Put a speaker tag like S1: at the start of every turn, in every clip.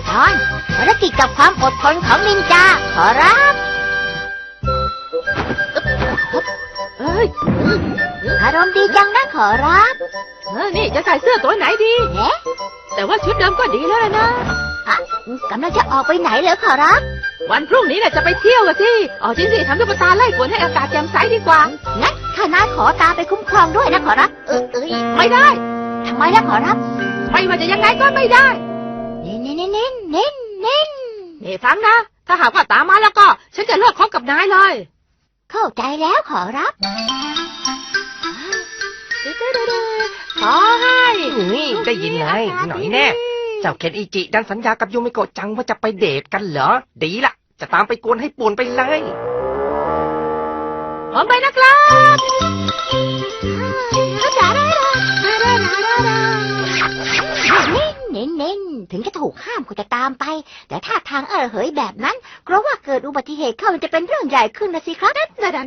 S1: ตอนภารกิจกับความอดทนของนินจาขอรับอารมณ์ดีจังนะขอรับ
S2: นี่จะใส่เสื้อตัวไหนดีแต่ว่าชุดเดิมก็ดีแล้วนะ
S1: กำลังจะออกไปไหนเหรอขอรับ
S2: วันพรุ่งนี้จะไปเที่ยวกันสิจริงสิทำตุ๊กตาไล่ฝนให้อากาศแจ่มใสดีกว่า
S1: งั้นข้าน้าขอตามไปคุ้มครองด้วยนะขอรับ
S2: ไม่ได้
S1: ทำไมล่ะขอรับ
S2: ไม่ว่าจะยังไงก็ไม่ได้
S1: เน้น
S2: ฟังนะถ้าหากว่าตามมาแล้วก็ฉันจะเลิกคบกับนายเลย
S1: เข้าใจแล้วขอรับ
S2: ขอให้
S3: ได้ยินเลยหน่อยแน่เจ้าเคนอิจิดันสัญญากับยูมิโกะจังว่าจะไปเดทกันเหรอดีละจะตามไปกวนให้ป่วนไปเลย
S2: ผมไปนะครับ
S1: เน้นถึงจะถูกห้ามก็จะตามไปแต่ถ้าทางเหยแบบนั้นเพราะว่าเกิดอุบัติเหตุเข้ามันจะเป็นเรื่องใหญ่ขึ้นนะสิครับ
S2: แก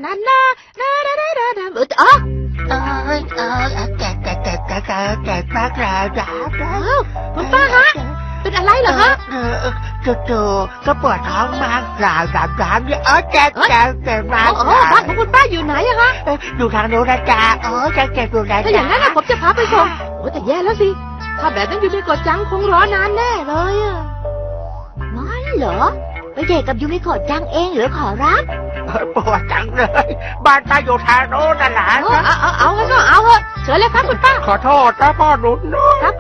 S2: มากแล้วจ้าคุณป้าฮะเป็นอะไรเหรอฮะ
S4: จู่ๆก็ปวดท้องมากกล่าวแบบนี้แกมาก
S2: บ้านของคุณป้าอยู่ไหนอะฮะ
S4: ดูทางโน้นนะจ๊ะแกดูนะ
S2: ถ้าอย่างนั้นผมจะพาไปส่งแต่แย่แล้วสิถ้าแบบนั้นยูมิโกะจังคงรอนานแน่เลยอะ
S1: งั้นเหรอไปเดทกับยูมิโกะจังเองหรือขอรับ
S4: ปวดจังเลยบ้านป้าอยู่ทางโน้นน่ะหลาน
S2: เอางั้นก็เอาเถอะเชิญเลยครับคุณป้า
S4: ขอโทษนะพ่อหนุ่ม
S2: ครับ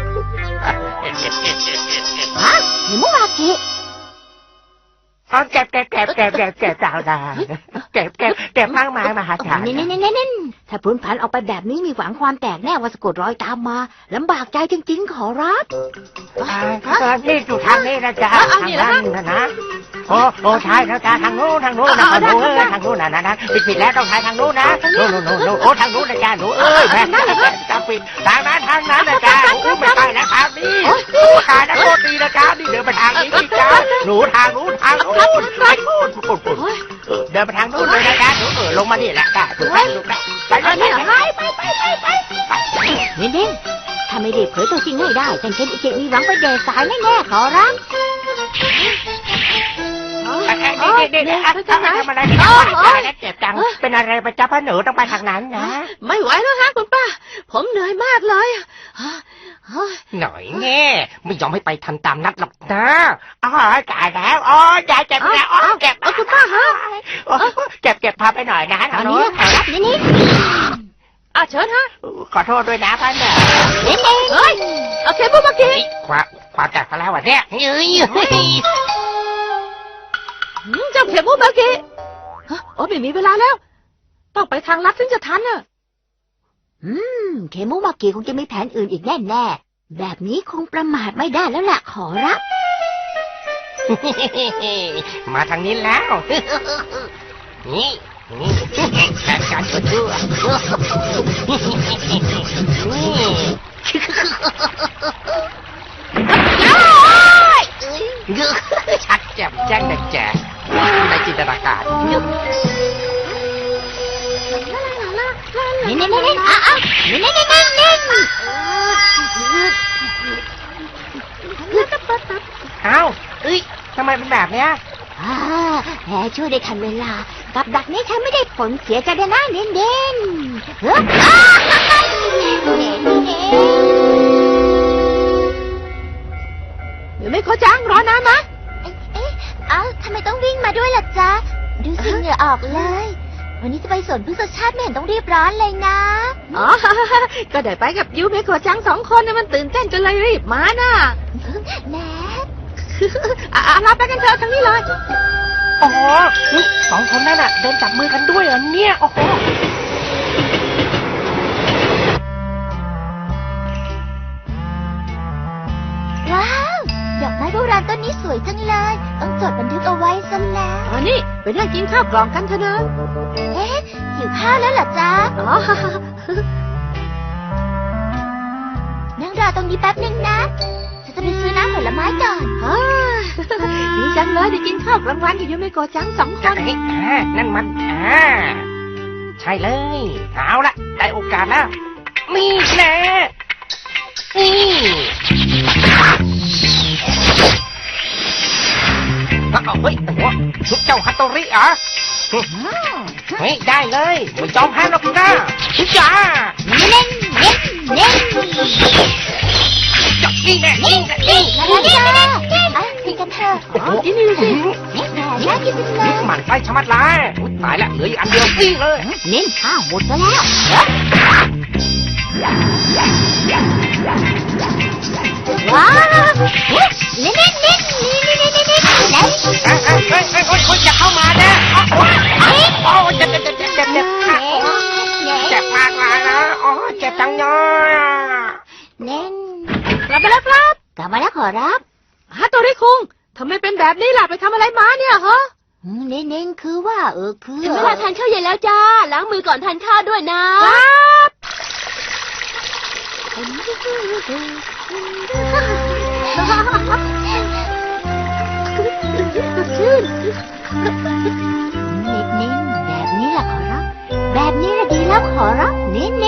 S1: หิมุรากิ
S4: แกสาวดาแกมากมายมหาศาล
S1: เน้นถ้าพ้นผันออกไปแบบนี้มีหวังความแตกแน่ว่าสะกดรอยตามมาลำบากใจจริงๆขอรับ
S4: นี่อยู่ทางนี้นะจ๊ะทางนั้นนะโอ้ใช่นะจ๊ะทางโน้นนะทางโน้นนะผิดแล้วต้องทางโน้นนะโน้ทางโน้นนะจ๊ะหนูแม่จะปิดทางนั้นนะจ๊ะไม่ไปนะทางนี้ทางนั้นโคตรดีนะจ๊ะนี่เดินไปทางนี้จ๊ะหนูทางนู้นเดินไปทางนู้นเลยนะจ๊ะหนูลงมานี่แหละจ้ะถูกไหมไปเ
S1: น้นถ้าไม่รีบเผยตัวจริงให้ได้จังเคนอิจิมีหวังไปเดทสายแน่ๆขอรับ
S4: นี่ทำอะไรเจ็บจังเป็นอะไรไปจ้าพ่อหนูต้องไปทางนั้นนะ
S2: ไม่ไหวแล้วฮะคุณป้าผมเหนื่อยมากเลย
S3: หน่อยแง่ไม่ยอมให้ไปทันตามนัดหรอกนะ
S4: จ่ายแล้วยายเจ็บแล้วเจ็บ
S2: คุณป้าฮะ
S4: เจ็บพาไปหน่อยนะ
S1: อันนี้ขอรับนิด
S2: เชิญฮะ
S4: ขอโทษด้วยนะพ่อหนู
S2: โอเคปุ๊บเมื่อกี้
S4: ความจัดกันแล้ววะเนี่ย
S2: เจ้าเข็มปุ๊บเมื่อกี้ไม่มีเวลาแล้วต้องไปทางลัดถึงจะทันน่ะ
S1: เคมุมากิคงจะมีแผนอื่นอีกแน่ๆแบบนี้คงประมาทไม่ได้แล้วล่ะขอรับ
S3: มาทางนี้แล้วนี่แผนการชั่วชัดแจ่มแจ้งแดงแจ๋ในจินตนาการ
S1: เน้น
S4: ทำไมเป็นแบบเนี้ย
S1: แหมช่วยได้ทันเวลากับดักนี้ฉันไม่ได้ผลเสียใจเลยนะเน้น
S2: เดี๋ยวไม่ขอจ้างรอนานนะ
S1: ทำไมต้องวิ่งมาด้วยล่ะจ๊ะดูสิเหงื่อออกเลยวันนี้จะไปสวนพฤกษชาติไม่เห็นต้องรีบร้อนเลยนะ
S2: ก็ได้ไปกับยูเมโกะจัง2 คนนะมันตื่นเต้นจนเลยรีบมาน่ะ
S1: แหม
S2: เราไปกันเถอะทางนี้เลย
S4: 2 คนนั่นน่ะเดินจับมือกันด้วยเนี่ย
S1: ว้าวดอกไม้โบราณต้นนี้สวยจังเลยต้องจดบันทึกเอาไว้ซะแล้ว
S2: นี่ไปนั่งกินข้าวกล่องกันเถอะนะ
S1: หิวข้าวแล้วเหรอจ๊ะนั่งรอตรงนี้แป๊บนึงนะจะไปซื้อน้ำผลไม้ก่อน
S2: ดีจังเลยได้กินข้าวกลางวันกับยูเมโกะจัง2 คน
S3: นั่นมันใช่เลยเอาละได้โอกาสแล้วมีแน่เฮ้ยโอ้โหชุดเจ้าฮัตโตริเหรอเฮ้ยได้เลยไม่ยอมแพ้หรอกนะจ้า
S1: เน้นเน้นเน้น
S3: จับนี่แน่นี่แน่นี่
S1: มาแล้วจ้าอ่ะกินกันเถอะ
S2: อ๋อกินนี่เลยสิ
S1: น่ากินจังเลย
S3: หมันไส้ชะมัดเลยตายแล้วเหลืออีกอันเดียววิ่งเลย
S1: เน้นข้าวหมดแล้วว้าวเน้นเน้นเน้นเน้นเน้นเน้นเน้นเน้น
S3: เฮ้ยอย่าเข้ามานะโอ้เจ็บเจ็บมากเลยนะโอ้เจ็บจังเลย
S1: เน้น
S2: กลับมาแล้วครับ
S1: กลับมาแล้วขอรับ
S2: ฮัตโตริคุงทำไมเป็นแบบนี้ล่ะไปทำอะไรมาเนี่ยฮะ
S1: เน้นเน้นคือว่าคือ
S2: ถึงเวลาทานข้าวเย็นแล้วจ้าล้างมือก่อนทานข้าวด้วยนะครับสดชื่น
S1: เน้นเน้นแบบนี้แหละขอรับแบบนี้แหละดีแล้วขอรับเน้นเน้น